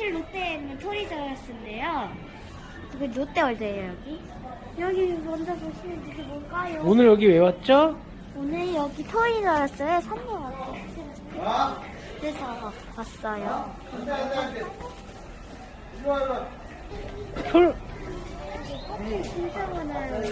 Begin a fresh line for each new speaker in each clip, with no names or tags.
사실 롯데에 있는 토리저스인데요. 이게 롯데월드예요, 여기. 여기 먼저 보시면 이게 뭘까요?
오늘 여기 왜 왔죠?
오늘 여기 토리저스에 선물 왔어요. 그래서 왔어요.
털,
진짜 많아요.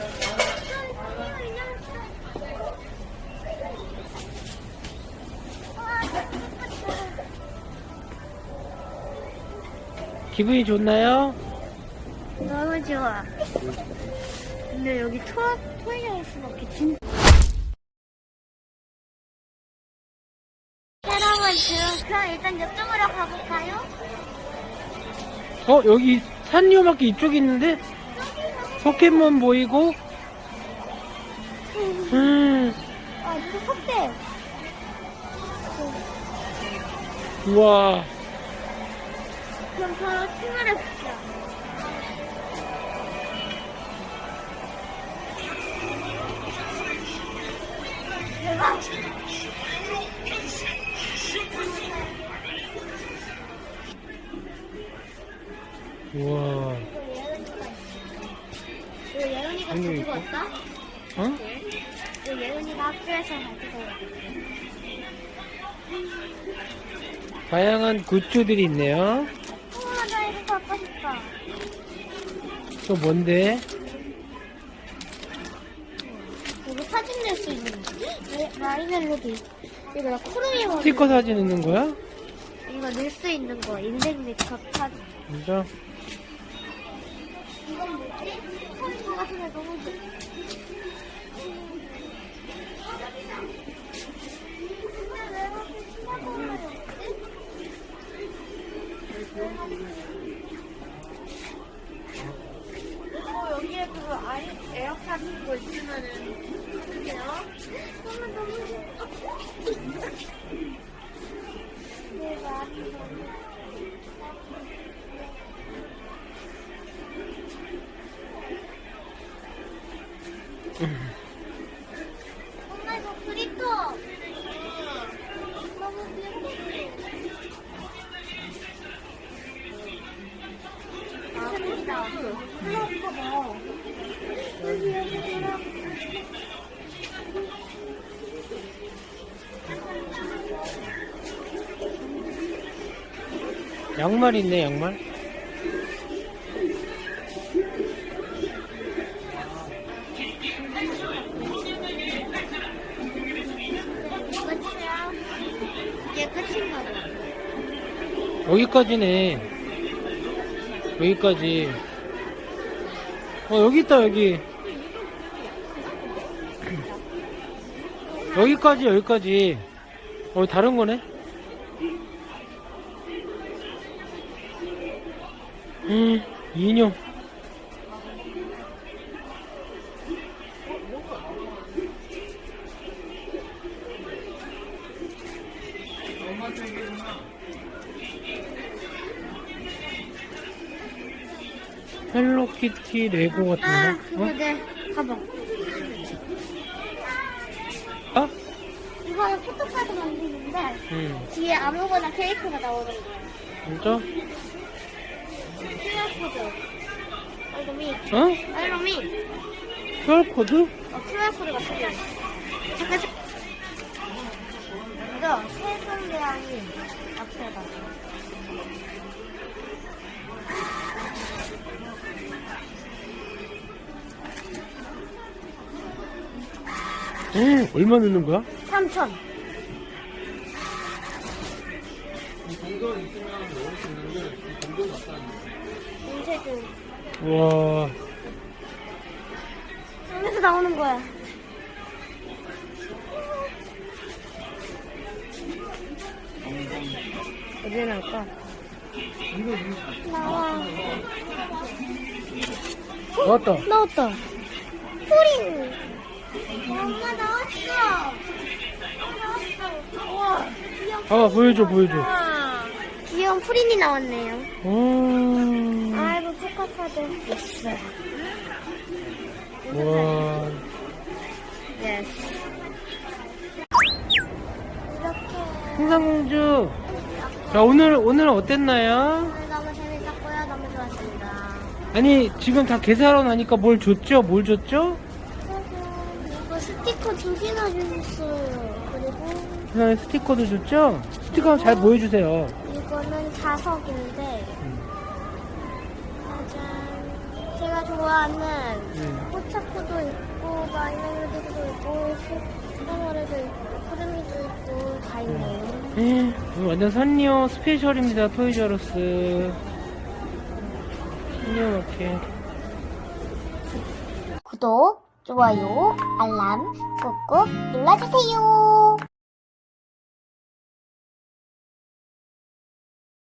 기분이 좋나요?
너무 좋아. 근데 여기 토이저스밖에 진짜. 여러분, 그럼 일단 이쪽으로 가볼까요?
여기 산리오마켓 이쪽에 있는데? 포켓몬 보이고?
아, 이거 석대.
우와.
그럼 바로 출발해볼게요. 대박!
우와.
이거 예은이가 가지고 왔다?
어?
이거 예은이가 학교에서 가지고 왔다.
다양한 굿즈들이 있네요.
우와, 나 이거 갖고 싶다.
또 뭔데?
여기 사진 낼 수 있는 거. 마이멜로디. 이거 나 코르미 머리.
스티커 사진 있는 거야?
이거 낼 수 있는 거. 인생 메이크업 사진.
진짜?
이건 뭐지? 코르미 같은 거 너무 좋아. 여기에 그거 에어팟 그거 있으면은 하는데요? 너무 좋아. 대박. 엄마 이거 그립토. 너무 귀엽다. 아, 크다. 플러퍼다. 여기 플러퍼.
양말 있네, 양말.
끝이야. 이게 끝인가 봐.
여기까지네. 여기까지. 여기 있다, 여기. 여기까지, 여기까지. 다른 거네? 인형. 헬로키티 레고 같은
아,
거?
그거 내 가방.
어?
이거는 포토카드 만드는데 뒤에 아무거나 캐릭터가 나오는 거야.
진짜?
QR코드. 알로미. 알로미.
QR코드?
QR코드가 필요해. 잠깐. 이거 세종대왕이 앞에다.
얼마 넣는 거야?
3,000. 인쇄도.
우와.
여기서 나오는 거야.
어디에 나올까?
나와.
나왔다.
나왔다. 프린. 엄마 나왔어. 나왔어. 우와. 귀여워.
보여줘, 보여줘.
귀여운 프린이 나왔네요. 아이고 포카카드. 예스.
우와.
예스. 이렇게.
풍산공주. 자, 오늘 어땠나요?
너무
아니, 지금 다 계산하러 나니까 뭘 줬죠? 뭘 줬죠?
이거 스티커 2개나 주셨어요. 그리고
그다음에 스티커도 줬죠? 스티커 잘 보여주세요.
이거는 자석인데 짜잔. 제가 좋아하는 포차코도 있고 마이너리도 있고 슈퍼머리도 있고 크루미도 있고 다 있네요.
이거 완전 산리오 스페셜입니다. 토이저러스. 산리오 마켓.
구독, 좋아요, 알람 꾹꾹 눌러주세요.